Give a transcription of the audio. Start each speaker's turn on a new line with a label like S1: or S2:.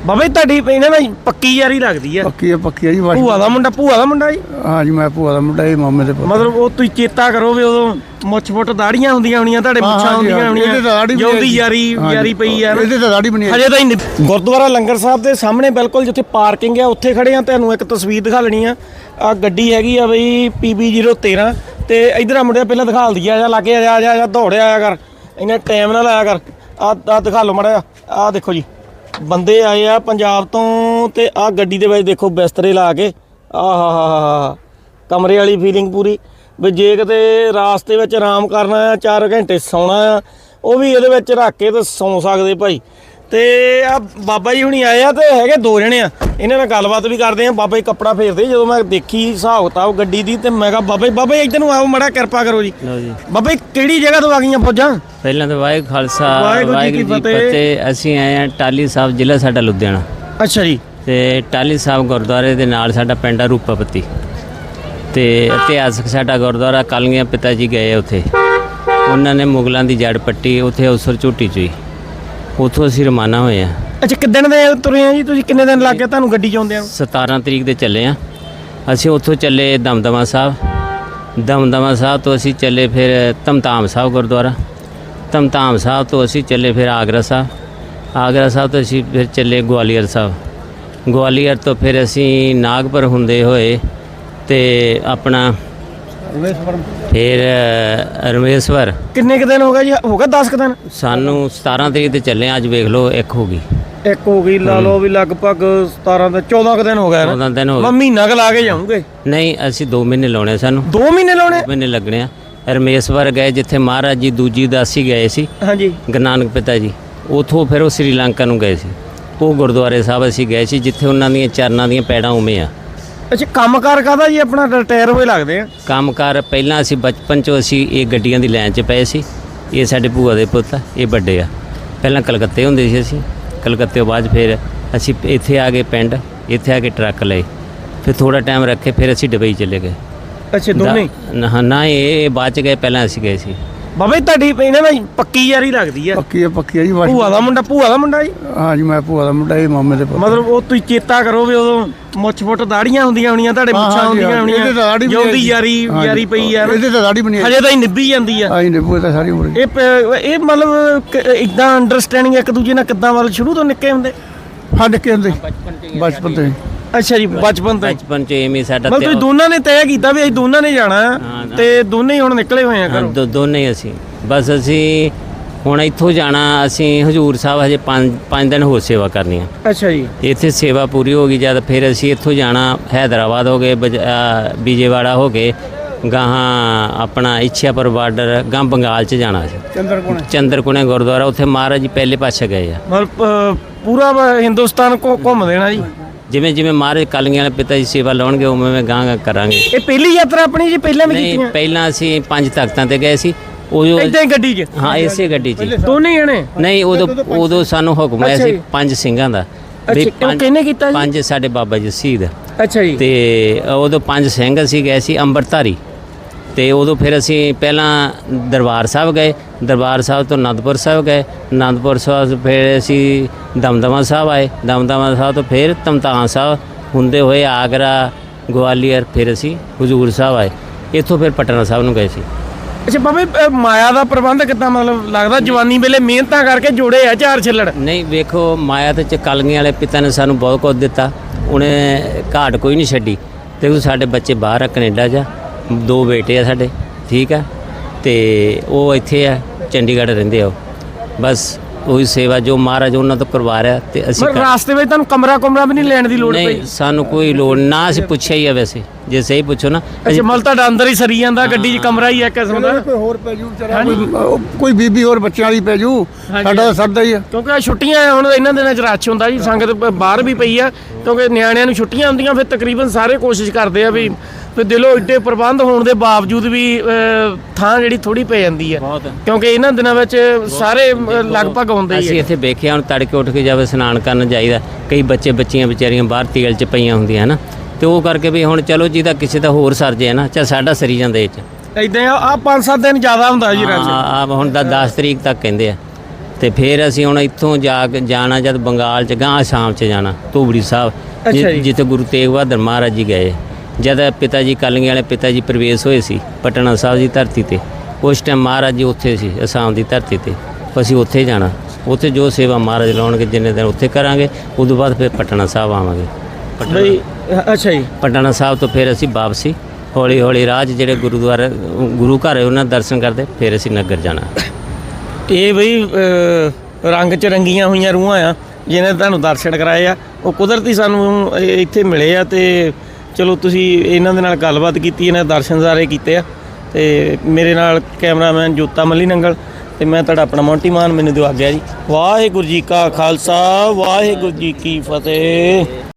S1: ਬਾਬਾ ਜੀ ਤੁਹਾਡੀ ਇਹਨਾਂ ਨਾਲ ਪੱਕੀ ਯਾਰੀ ਲੱਗਦੀ ਆ।
S2: ਪੱਕੀ ਹੈ ਜੀ।
S1: ਭੂਆ ਦਾ ਮੁੰਡਾ ਜੀ।
S2: ਹਾਂ ਜੀ, ਮੈਂ ਭੂਆ ਦਾ ਮੁੰਡਾ ਜੀ, ਮਾਮੇ ਦੇ ਪੁੱਤ।
S1: ਮਤਲਬ ਉਹ ਤੁਸੀਂ ਚੇਤਾ ਕਰੋ ਵੀ ਉਦੋਂ ਮੁੱਛ ਫੁੱਟ ਦਾੜੀਆਂ ਹੁੰਦੀਆਂ ਹੋਣੀਆਂ, ਤੁਹਾਡੇ ਮੁੱਛਾਂ ਹੁੰਦੀਆਂ ਹੋਣੀਆਂ, ਜਿਉਂਦੀ ਯਾਰੀ ਪਈ ਆ।
S2: ਇਹਦੇ ਤਾਂ ਦਾੜੀ ਬਣੀ
S1: ਹਜੇ ਤਾਂ ਹੀ ਗੁਰਦੁਆਰਾ ਲੰਗਰ ਸਾਹਿਬ ਦੇ ਸਾਹਮਣੇ ਬਿਲਕੁਲ ਜਿੱਥੇ ਪਾਰਕਿੰਗ ਆ ਉੱਥੇ ਖੜੇ ਆ। ਤੁਹਾਨੂੰ ਇੱਕ ਤਸਵੀਰ ਦਿਖਾ ਲੈਣੀ ਆ। ਆ ਗੱਡੀ ਹੈਗੀ ਆ ਬਈ PB013 ਤੇ ਇਧਰ ਆ ਮੁੰਡਿਆ ਪਹਿਲਾਂ ਦਿਖਾ ਲਦੀ ਆ। ਲਾਗੇ ਆ ਦੌੜਿਆ ਆਇਆ ਕਰ, ਇੰਨਾ ਟਾਈਮ ਨਾਲ ਆਇਆ ਕਰ। ਆ ਦਿਖਾ ਲਓ ਮਾੜਾ। ਆ ਦੇਖੋ ਜੀ ਬੰਦੇ ਆਏ ਆ ਪੰਜਾਬ ਤੋਂ ਤੇ ਆ ਗੱਡੀ ਦੇ ਵਿੱਚ ਦੇਖੋ ਬਿਸਤਰੇ ਲਾ ਕੇ। ਆਹਾ ਕਮਰੇ ਵਾਲੀ ਫੀਲਿੰਗ ਪੂਰੀ ਵੀ ਜੇ ਕਿਤੇ ਰਾਸਤੇ ਵਿੱਚ ਆਰਾਮ ਕਰਨਾ ਆ 4 ਘੰਟੇ ਸੌਣਾ ਆ ਉਹ ਵੀ ਇਹਦੇ ਵਿੱਚ ਰੱਖ ਕੇ ਤੇ ਸੌਂ ਸਕਦੇ ਭਾਈ। ਤੇ ਆ ਬਾਬਾ ਜੀ ਹੁਣੀ ਆਏ ਆ ਤੇ ਹੈਗੇ 2 ਜਣੇ ਆ, ਇਹਨਾਂ ਨਾਲ ਗੱਲਬਾਤ ਵੀ ਕਰਦੇ ਆ। ਬਾਬਾ ਜੀ ਕੱਪੜਾ ਫੇਰਦੇ ਜਦੋਂ ਮੈਂ ਦੇਖੀ ਹਿਸਾਬ ਕਿਤਾਬ ਗੱਡੀ ਦੀ ਤੇ ਮੈਂ ਕਿਹਾ ਬਾਬਾ ਜੀ ਇੱਧਰ ਨੂੰ ਆਓ ਮਾੜਾ ਕਿਰਪਾ ਕਰੋ ਜੀ। ਬਾਬਾ ਜੀ ਕਿਹੜੀ ਜਗ੍ਹਾ ਤੋਂ ਆ ਗਈਆਂ ਫੌਜਾਂ?
S3: ਪਹਿਲਾਂ ਤਾਂ ਵਾਹਿਗੁਰੂ ਖਾਲਸਾ ਵਾਹਿਗੁਰੂ ਜੀ ਕੀ ਫਤਿਹ। ਅਸੀਂ ਆਏ ਆ ਟਾਹਲੀ ਸਾਹਿਬ, ਜ਼ਿਲ੍ਹਾ ਸਾਡਾ ਲੁਧਿਆਣਾ।
S1: ਅੱਛਾ ਜੀ।
S3: ਤੇ ਟਾਹਲੀ ਸਾਹਿਬ ਗੁਰਦੁਆਰੇ ਦੇ ਨਾਲ ਸਾਡਾ ਪਿੰਡ ਆ ਰੂਪਾਪਤੀ ਤੇ ਇਤਿਹਾਸਕ ਸਾਡਾ ਗੁਰਦੁਆਰਾ। ਕਾਲੀਆਂ ਪਿਤਾ ਜੀ ਗਏ ਉੱਥੇ, ਉਹਨਾਂ ਨੇ ਮੁਗਲਾਂ ਦੀ ਜੜ ਪੱਟੀ ਉੱਥੇ ਅਵਸਰ ਝੂਟੀ ਚੋਈ, ਉੱਥੋਂ ਅਸੀਂ ਰਵਾਨਾ ਹੋਏ ਆ।
S1: ਅੱਛਾ ਕਿੱਦਣ ਦੇ ਤੁਰੇ ਆ ਜੀ ਤੁਸੀਂ? ਕਿੰਨੇ ਦਿਨ ਲੱਗ ਗਏ ਤੁਹਾਨੂੰ ਗੱਡੀ 'ਚ ਆਉਂਦਿਆਂ?
S3: 17 ਤਰੀਕ ਦੇ ਚੱਲੇ ਆ ਅਸੀਂ। ਉੱਥੋਂ ਚੱਲੇ ਦਮਦਮਾ ਸਾਹਿਬ ਤੋਂ ਅਸੀਂ ਚੱਲੇ ਫਿਰ ਧਮਤਾਮ ਸਾਹਿਬ ਗੁਰਦੁਆਰਾ। ਧਮਤਾਮ ਸਾਹਿਬ ਤੋਂ ਅਸੀਂ ਚੱਲੇ ਫਿਰ ਆਗਰਾ ਸਾਹਿਬ ਤੋਂ ਅਸੀਂ ਫਿਰ ਚੱਲੇ ਗਵਾਲੀਅਰ ਸਾਹਿਬ। ਗਵਾਲੀਅਰ ਤੋਂ ਫਿਰ ਅਸੀਂ ਨਾਗਪੁਰ ਹੁੰਦੇ ਹੋਏ ਤੇ ਆਪਣਾ ਫਿਰ ਰਮੇਸ਼ਵਰ।
S1: ਕਿੰਨੇ ਕੁ ਦਿਨ ਹੋ ਗਏ ਜੀ? ਹੋ ਗਿਆ 10 ਕੁ ਦਿਨ
S3: ਸਾਨੂੰ। 17 ਤਰੀਕ ਤੇ ਚੱਲੇ ਅੱਜ ਵੇਖ ਲਓ ਇੱਕ ਹੋ ਗਈ
S1: ਲਾ ਲਓ ਵੀ ਲਗਭਗ 17 ਤੋਂ 14 ਕੁ ਦਿਨ ਹੋ ਗਏ।
S3: 14 ਦਿਨ ਹੋ ਗਏ।
S1: ਮਹੀਨਾ ਕੁ ਲਾ ਕੇ ਜਾਊਂਗੇ?
S3: ਨਹੀਂ ਅਸੀਂ 2 ਮਹੀਨੇ ਲਾਉਣੇ ਸਾਨੂੰ।
S1: 2 ਮਹੀਨੇ ਲਾਉਣੇ?
S3: 2 ਮਹੀਨੇ ਲੱਗਣੇ ਆ। ਰਮੇਸ਼ਵਰ ਗਏ ਜਿੱਥੇ ਮਹਾਰਾਜ ਜੀ ਦੂਜੀ ਉਦਾਸੀ ਗਏ ਸੀ।
S1: ਹਾਂਜੀ।
S3: ਗੁਰੂ ਨਾਨਕ ਪਿਤਾ ਜੀ ਉਥੋਂ ਫਿਰ ਉਹ ਸ੍ਰੀਲੰਕਾ ਨੂੰ ਗਏ ਸੀ। ਉਹ ਗੁਰਦੁਆਰੇ ਸਾਹਿਬ ਅਸੀਂ ਗਏ ਸੀ ਜਿੱਥੇ ਉਹਨਾਂ ਦੀਆਂ ਚਰਨਾਂ ਦੀਆਂ ਪੈੜਾਂ ਉਵੇਂ ਆ।
S1: ਅੱਛਾ ਕੰਮਕਾਰ ਕਾਹਦਾ ਜੀ? ਆਪਣਾ ਰਿਟਾਇਰ ਹੋਏ ਲੱਗਦੇ ਆ।
S3: ਕੰਮਕਾਰ ਪਹਿਲਾਂ ਅਸੀਂ ਬਚਪਨ 'ਚੋਂ ਅਸੀਂ ਇਹ ਗੱਡੀਆਂ ਦੀ ਲਾਈਨ 'ਚ ਪਏ ਸੀ। ਇਹ ਸਾਡੇ ਭੂਆ ਦੇ ਪੁੱਤ ਆ, ਇਹ ਵੱਡੇ ਆ। ਪਹਿਲਾਂ ਕਲਕੱਤੇ ਹੁੰਦੇ ਸੀ ਅਸੀਂ, ਕਲਕੱਤੇ ਤੋਂ ਬਾਅਦ ਫਿਰ ਅਸੀਂ ਇੱਥੇ ਆ ਗਏ ਪਿੰਡ, ਇੱਥੇ ਆ ਕੇ ਟਰੱਕ ਲਏ, ਫਿਰ ਥੋੜਾ ਟਾਈਮ ਰੱਖੇ, ਫਿਰ ਅਸੀਂ ਦੁਬਈ ਚਲੇ ਗਏ।
S1: ਅੱਛਾ ਦੋਨੇ?
S3: ਨਾ ਇਹ ਬਾਅਦ 'ਚ ਗਏ, ਪਹਿਲਾਂ ਅਸੀਂ ਗਏ ਸੀ।
S1: ਬਾਬਾ ਜੀ ਤੁਹਾਡੀ ਇਹਨਾਂ ਨਾਲ ਪੱਕੀ ਯਾਰੀ ਲੱਗਦੀ ਆ।
S2: ਪੱਕੀ ਹੈ ਜੀ।
S1: ਭੂਆ ਦਾ ਮੁੰਡਾ ਜੀ।
S2: ਹਾਂ ਜੀ, ਮੈਂ ਭੂਆ ਦਾ ਮੁੰਡਾ ਜੀ, ਮਾਮੇ ਦੇ ਪੁੱਤ।
S1: ਮਤਲਬ ਉਹ ਤੁਸੀਂ ਚੇਤਾ ਕਰੋ ਵੀ ਉਦੋਂ ਮੁੱਛ ਫੁੱਟ ਦਾੜੀਆਂ ਹੁੰਦੀਆਂ ਹੋਣੀਆਂ, ਤੁਹਾਡੇ ਮੁੱਛਾਂ ਹੁੰਦੀਆਂ ਹੋਣੀਆਂ, ਜਿਉਂਦੀ ਯਾਰੀ ਪਈ ਆ।
S2: ਇਹਦੇ ਤਾਂ ਦਾੜੀ ਬਣੀ
S1: ਹਜੇ ਤਾਂ ਹੀ ਨਿੱਭੀ ਜਾਂਦੀ ਆ।
S2: ਆਈ ਨਿੱਭੂ ਤਾਂ ਸਾਰੀ ਉਮਰ।
S1: ਇਹ ਮਤਲਬ ਇਦਾਂ ਅੰਡਰਸਟੈਂਡਿੰਗ ਇੱਕ ਦੂਜੇ ਨਾਲ ਕਿੱਦਾਂ ਵੱਲ ਸ਼ੁਰੂ ਤੋਂ ਨਿੱਕੇ ਹੁੰਦੇ?
S2: ਹਾਂ ਨਿੱਕੇ ਹੁੰਦੇ ਬਚਪਨ ਤੋਂ।
S1: ਅੱਛਾ ਜੀ ਬਚਪਨ
S3: ਚ ਐਵੇਂ ਸਾਡਾ
S1: ਮਤਲਬ ਤੁਸੀਂ ਦੋਨਾਂ ਨੇ ਤੈਅ ਕੀਤਾ ਵੀ ਅਸੀਂ ਦੋਨਾਂ ਨੇ ਜਾਣਾ ਤੇ ਦੋਨੇ ਹੀ ਹੁਣ ਨਿਕਲੇ ਹੋਏ ਆ ਘਰੋਂ?
S3: ਦੋਨੇ ਅਸੀਂ ਬਸ ਅਸੀਂ ਹੁਣ ਇੱਥੋਂ ਜਾਣਾ। ਅਸੀਂ ਹਜੂਰ ਸਾਹਿਬ ਹਜੇ 5 ਦਿਨ ਹੋਰ ਸੇਵਾ ਕਰਨੀ ਆ।
S1: ਅੱਛਾ ਜੀ।
S3: ਇੱਥੇ ਸੇਵਾ ਪੂਰੀ ਹੋ ਗਈ ਜਦ ਫਿਰ ਅਸੀਂ ਇੱਥੋਂ ਜਾਣਾ ਹੈਦਰਾਬਾਦ ਹੋ ਗਏ, ਵਿਜੇਵਾੜਾ ਹੋ ਗਏ, ਗਾਹਾਂ ਆਪਣਾ ਇੱਛਿਆਪੁਰ ਬਾਰਡਰ, ਗਾਂ ਬੰਗਾਲ 'ਚ ਜਾਣਾ ਸੀ। ਚੰਦਰਕੋਣੇ ਗੁਰਦੁਆਰਾ, ਉੱਥੇ ਮਹਾਰਾਜ ਜੀ ਪਹਿਲੇ ਪਾਤਸ਼ਾਹ ਗਏ ਆ।
S1: ਮਤਲਬ ਪੂਰਾ ਹਿੰਦੁਸਤਾਨ ਘੁੰਮ ਦੇਣਾ ਜੀ? ਜਿਵੇਂ
S3: ਮਹਾਰਾਜ ਕਾਲੀਆਂ ਵਾਲੇ ਪਿਤਾ ਜੀ ਸੇਵਾ ਲਾਉਣਗੇ ਉਵੇਂ ਗਾਂ ਕਰਾਂਗੇ।
S1: ਇਹ ਪਹਿਲੀ ਯਾਤਰਾ ਆਪਣੀ ਜੀ? ਪਹਿਲਾਂ ਵੀ ਕੀਤੀਆਂ?
S3: ਪਹਿਲਾਂ ਅਸੀਂ 5 ਤਖ਼ਤਾਂ ਤੇ ਗਏ ਸੀ।
S1: ਇਦਾਂ ਹੀ ਗੱਡੀ 'ਚ?
S3: ਹਾਂ ਇਸੇ ਗੱਡੀ 'ਚ
S1: ਦੋਨੇ ਜਣੇ?
S3: ਨਹੀਂ ਉਦੋਂ ਸਾਨੂੰ ਹੁਕਮ ਆਇਆ ਸੀ 5 ਸਿੰਘਾਂ ਦਾ।
S1: ਕਿਹਨੇ ਕੀਤਾ ਜੀ?
S3: 5 ਸਾਡੇ ਬਾਬਾ ਜੀ ਸ਼ਹੀਦ।
S1: ਅੱਛਾ ਜੀ।
S3: ਤੇ ਉਦੋਂ 5 ਸਿੰਘ ਅਸੀਂ ਗਏ ਸੀ ਅੰਮ੍ਰਿਤਧਾਰੀ। ਤੇ ਉਦੋਂ ਫਿਰ ਅਸੀਂ ਪਹਿਲਾਂ ਦਰਬਾਰ ਸਾਹਿਬ ਗਏ, ਦਰਬਾਰ ਸਾਹਿਬ ਤੋਂ ਅਨੰਦਪੁਰ ਸਾਹਿਬ ਗਏ, ਅਨੰਦਪੁਰ ਸਾਹਿਬ ਫਿਰ ਅਸੀਂ ਦਮਦਮਾ ਸਾਹਿਬ ਆਏ, ਦਮਦਮਾ ਸਾਹਿਬ ਤੋਂ ਫਿਰ ਧਮਤਾਮ ਸਾਹਿਬ ਹੁੰਦੇ ਹੋਏ ਆਗਰਾ, ਗਵਾਲੀਅਰ, ਫਿਰ ਅਸੀਂ ਹਜ਼ੂਰ ਸਾਹਿਬ ਆਏ। ਇੱਥੋਂ ਫਿਰ ਪਟਨਾ ਸਾਹਿਬ ਨੂੰ ਗਏ ਸੀ।
S1: ਅੱਛਾ ਬਾਬਾ ਮਾਇਆ ਦਾ ਪ੍ਰਬੰਧ ਕਿੱਦਾਂ? ਮਤਲਬ ਲੱਗਦਾ ਜਵਾਨੀ ਵੇਲੇ ਮਿਹਨਤਾਂ ਕਰਕੇ ਜੋੜੇ ਆ 4 ਛਿੱਲੜ।
S3: ਨਹੀਂ ਵੇਖੋ ਮਾਇਆ ਤੇ ਕਾਲੀਆਂ ਵਾਲੇ ਪਿਤਾ ਨੇ ਸਾਨੂੰ ਬਹੁਤ ਕੁਝ ਦਿੱਤਾ, ਉਹਨੇ ਘਾਟ ਕੋਈ ਨਹੀਂ ਛੱਡੀ। ਦੇਖੋ ਸਾਡੇ ਬੱਚੇ ਬਾਹਰ ਆ ਕੈਨੇਡਾ 'ਚ, 2 ਬੇਟੇ ਆ ਸਾਡੇ, ਠੀਕ ਆ, ਤੇ ਉਹ ਇੱਥੇ ਆ ਚੰਡੀਗੜ੍ਹ ਰਹਿੰਦੇ ਆ। ਬਸ ਉਹੀ ਸੇਵਾ ਜੋ ਮਹਾਰਾਜ ਉਹਨਾਂ ਤੋਂ ਕਰਵਾ ਰਿਹਾ ਤੇ ਅਸੀਂ
S1: ਰਾਸਤੇ ਵਿੱਚ ਤੁਹਾਨੂੰ ਕਮਰਾ ਵੀ ਨਹੀਂ ਲੈਣ ਦੀ ਲੋੜ ਪਈ?
S3: ਨਹੀਂ ਸਾਨੂੰ ਕੋਈ ਲੋੜ ਨਾ, ਅਸੀਂ ਪੁੱਛਿਆ ਹੀ ਆ ਵੈਸੇ, ਜੇ ਸਹੀ ਪੁੱਛੋ ਨਾ।
S1: ਅੱਛਾ ਮਤਲਬ ਤੁਹਾਡਾ ਅੰਦਰ ਹੀ ਸਰੀ ਜਾਂਦਾ, ਗੱਡੀ 'ਚ ਕਮਰਾ ਹੀ ਹੈ ਕਿਸਮ ਦਾ?
S2: ਕੋਈ ਹੋਰ ਪੈ ਜੂ ਕੋਈ ਬੀਬੀ ਹੋਰ ਬੱਚਿਆਂ ਵਾਲੀ ਪੈ ਜੂ, ਸਾਡਾ ਤਾਂ ਸਰਦਾ ਹੀ ਆ।
S1: ਕਿਉਂਕਿ ਛੁੱਟੀਆਂ ਹੁਣ ਇਹਨਾਂ ਦਿਨਾਂ 'ਚ ਰਸ਼ ਹੁੰਦਾ ਜੀ, ਸੰਗਤ ਬਾਹਰ ਵੀ ਪਈ ਆ ਕਿਉਂਕਿ ਨਿਆਣਿਆਂ ਨੂੰ ਛੁੱਟੀਆਂ ਹੁੰਦੀਆਂ। ਫਿਰ ਤਕਰੀਬਨ ਸਾਰੇ ਕੋਸ਼ਿਸ਼ ਕਰਦੇ ਆ ਵੀ ਫਿਰ ਦਿਲੋਂ ਏਡੇ ਪ੍ਰਬੰਧ ਹੋਣ ਦੇ ਬਾਵਜੂਦ ਵੀ ਥਾਂ ਜਿਹੜੀ ਥੋੜੀ ਪੈ ਜਾਂਦੀ ਆ ਕਿਉਂਕਿ ਇਹਨਾਂ ਦਿਨਾਂ ਵਿੱਚ ਸਾਰੇ ਲਗਭਗ ਹੁੰਦੇ ਹੀ।
S3: ਅਸੀਂ ਇੱਥੇ ਵੇਖਿਆ ਹੁਣ ਤੜਕੇ ਉੱਠ ਕੇ ਜਾਵੇ ਇਸ਼ਨਾਨ ਕਰਨ ਜਾਈਦਾ, ਕਈ ਬੱਚੀਆਂ ਵਿਚਾਰੀਆਂ ਬਾਹਰ ਤੇਲ 'ਚ ਪਈਆਂ ਹੁੰਦੀਆਂ ਨਾ, ਤੇ ਉਹ ਕਰਕੇ ਵੀ ਹੁਣ ਚਲੋ ਜਿਹਦਾ ਕਿਸੇ ਦਾ ਹੋਰ ਸਰ ਜੇ ਨਾ, ਚੱਲ ਸਾਡਾ ਸਰੀ ਜਾਂਦਾ ਇਹ 'ਚ।
S1: ਇਦਾਂ ਆ 5-7 ਦਿਨ ਜ਼ਿਆਦਾ ਹੁੰਦਾ ਜੀ ਰਸ਼।
S3: ਹੁਣ ਤਾਂ 10 ਤਰੀਕ ਤੱਕ ਕਹਿੰਦੇ ਆ। ਤੇ ਫਿਰ ਅਸੀਂ ਹੁਣ ਇੱਥੋਂ ਜਾ ਕੇ ਜਾਣਾ ਜਦ ਬੰਗਾਲ 'ਚ ਗਾਂ ਅਸਾਮ 'ਚ ਜਾਣਾ ਧੂਬੜੀ ਸਾਹਿਬ
S1: ਅੱਛਾ ਜੀ।
S3: ਜਿੱਥੇ ਗੁਰੂ ਤੇਗ ਬਹਾਦਰ ਮਹਾਰਾਜ ਜੀ ਗਏ ਜਦ ਪਿਤਾ ਜੀ ਕਲਗੀ ਵਾਲੇ ਪਿਤਾ ਜੀ ਪ੍ਰਵੇਸ਼ ਹੋਏ ਸੀ ਪਟਨਾ ਸਾਹਿਬ ਦੀ ਧਰਤੀ ਤੇ ਉਸ ਟਾਈਮ ਮਹਾਰਾਜ ਜੀ ਉੱਥੇ ਸੀ ਅਸਾਮ ਦੀ ਧਰਤੀ ਤੇ ਅਸੀਂ ਉੱਥੇ ਜਾਣਾ ਉੱਥੇ ਜੋ ਸੇਵਾ ਮਹਾਰਾਜ ਲਾਉਣਗੇ ਜਿੰਨੇ ਦਿਨ ਉੱਥੇ ਕਰਾਂਗੇ ਉਦੋਂ ਬਾਅਦ ਫਿਰ ਪਟਨਾ ਸਾਹਿਬ ਆਵਾਂਗੇ
S1: ਬਈ ਅੱਛਾ ਜੀ।
S3: ਪਟਨਾ ਸਾਹਿਬ ਤੋਂ ਫਿਰ ਅਸੀਂ ਵਾਪਸੀ ਹੌਲੀ ਹੌਲੀ ਰਾਹ 'ਚ ਜਿਹੜੇ ਗੁਰਦੁਆਰਾ ਗੁਰੂ ਘਰ ਹੈ ਉਹਨਾਂ ਦੇ ਦਰਸ਼ਨ ਕਰਦੇ ਫਿਰ ਅਸੀਂ ਨਗਰ ਜਾਣਾ।
S1: ਇਹ ਬਈ ਰੰਗ 'ਚ ਰੰਗੀਆਂ ਹੋਈਆਂ ਰੂਹਾਂ ਆ ਜਿਹਨੇ ਤੁਹਾਨੂੰ ਦਰਸ਼ਨ ਕਰਾਏ ਆ ਉਹ ਕੁਦਰਤੀ ਸਾਨੂੰ ਇੱਥੇ ਮਿਲੇ ਆ ਤੇ ਚਲੋ ਤੁਸੀਂ ਇਹਨਾਂ ਦੇ ਨਾਲ ਗੱਲਬਾਤ ਕੀਤੀ ਇਹਨਾਂ ਦੇ ਦਰਸ਼ਨ ਸਾਰੇ ਕੀਤੇ ਆ ਤੇ ਮੇਰੇ ਨਾਲ ਕੈਮਰਾਮੈਨ ਜੋਤਾ ਮੱਲੀ ਨੰਗਲ ਤੇ ਮੈਂ ਤੁਹਾਡਾ ਆਪਣਾ ਮੌਂਟੀ ਮਾਨ ਮੈਨੂੰ ਦਿਓ ਆਗਿਆ ਜੀ। ਵਾਹਿਗੁਰੂ ਜੀ ਕਾ ਖਾਲਸਾ ਵਾਹਿਗੁਰੂ ਜੀ ਕੀ ਫਤਿਹ।